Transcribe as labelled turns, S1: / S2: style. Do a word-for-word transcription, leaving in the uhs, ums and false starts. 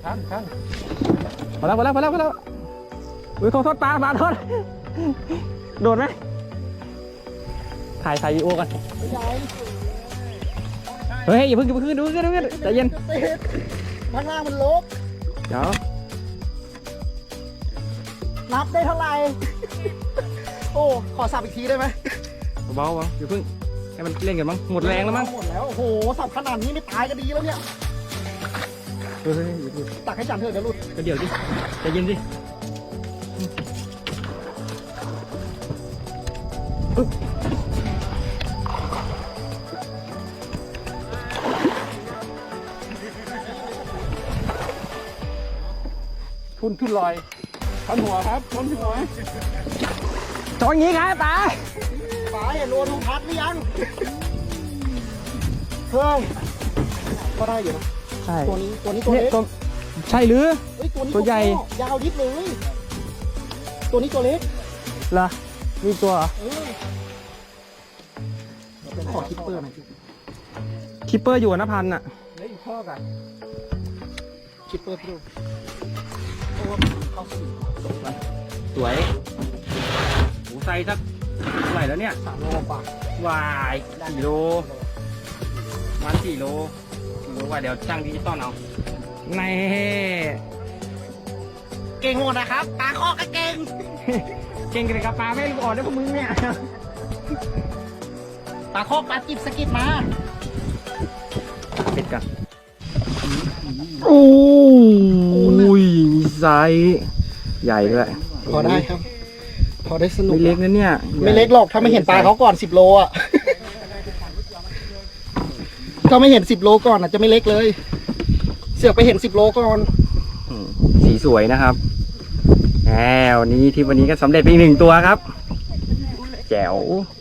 S1: ข้างข้าง
S2: พอแล้วพอแล้วพอแล้วพอแล้วอุ้ยขอโทษปลาปลาโทษโดดไหมถ่ายถ่ายวีดีโอกันเฮ้ยอย่าเพิ่งอย่าเพิ่งดูกันดูกันใจเย็น
S3: ข้างล่างมันลก
S2: เดี๋ยว
S3: นับได้เท่าไหร่ โอ้ขอสับอีกทีได้ไหม
S2: เบาๆอย่าเพิ่งให้มันเล่นกันมั้งหมดแรงแล้วมั้ง
S3: หมดแล้วโอ้โหสับขนาดนี้ไม่ตายก็ดีแล้วเนี่ย
S2: เฮ้ยอย่าเพิ่ง
S3: ตักให้จันเถอะเดี๋ยวหลุด
S2: เดี๋ยวดิใจเย็นดิทุนทุนลอย
S1: ทันหัวครับทันหัว
S2: จออย่างงี้ครับตา
S3: ป๋าเห็นโดนลุงพัดหรือยังเฮ้ยก็ได้อยู่นะ
S2: ใช่
S3: ตัวนี้ตัวนี้ตัว
S2: เนี่ย
S3: เล็ก
S2: ตัวใช่หรือ
S3: เฮ้ยตัวนี้
S2: ตัวใหญ่
S3: ยาวดิบเลยตัวนี้ตัวเล็ก
S2: เหรอมีตัวเหรอ
S3: เออขอคิปเปอร์หน่อยสิ
S2: คิปเปอร์อยู่นะพันอ่ะ
S1: เล่นข้อกัน
S3: คิปเปอร์พี่ดูโอ้เข้าสี่
S2: สวยโอ้ไซส์สักเท่าไหร่แล้วเนี่ย
S3: สามโลกว่าว
S2: ายสี่โลวันสี่โลสี่โลว่าเดี๋ยวช่างดิจิตอลเอาใน
S3: เก่งหมดนะครับปลาข้อก็เก่ง
S2: เก่งกันกับปลาไม่รู้อ่อนได้พวกมึงเนี่ย
S3: ปลาข้อปลาจิบสกิดมา
S2: ปิดกันโอ้ยมีไซส์ใหญ่ด้วย
S3: พอได้ครับ พอได้สนุก
S2: ไม่เล็กนะเนี่ย
S3: ไม่เล็กหรอกถ้าไม่เห็นปลาเขาก่อนสิบโลอ่ะ ถ้าไม่เห็นสิบโลก่อนอ่ะจะไม่เล็กเลย เสือกไปเห็นสิบโลก่อน
S2: อืมสีสวยนะครับแหมวันนี้ที่วันนี้ก็สำเร็จไปอีกหนึ่งตัวครับ แจ๋ว